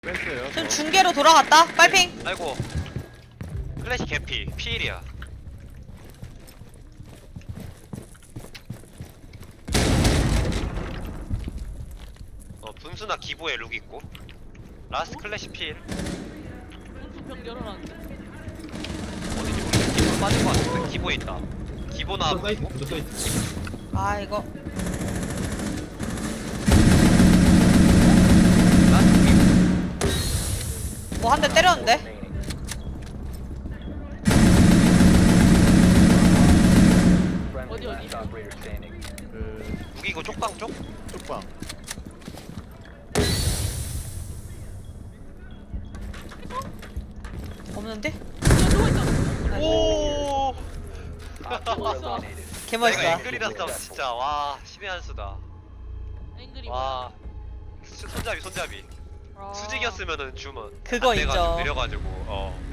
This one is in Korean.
뺐어요. 지금 저. 중계로 돌아갔다. 빨핑. 아이고 클래시 개피 피일이야. 분수나 기보에 룩 있고 라스트 클래시 피일 분수 병 열어놨는데. 어딘지 모르겠어. 기보 빠진 거 같은데 기보에 있다. 기보 저 나오고 사이트, 있고 저 사이트. 아 이거 라스트 기보. 뭐 한 대 때렸는데. 어디? 그 무기고 쪽방 쪽? 쪽방. 없는데? 누워있다. 오 누웠어. 내가 개멋있다. 앵글이란 싸움 진짜 와 신의 한 수다. 앵글이 와 손잡이 뭐야? 수직이었으면은 주문 그거 안 돼가지고 인정. 느려가지고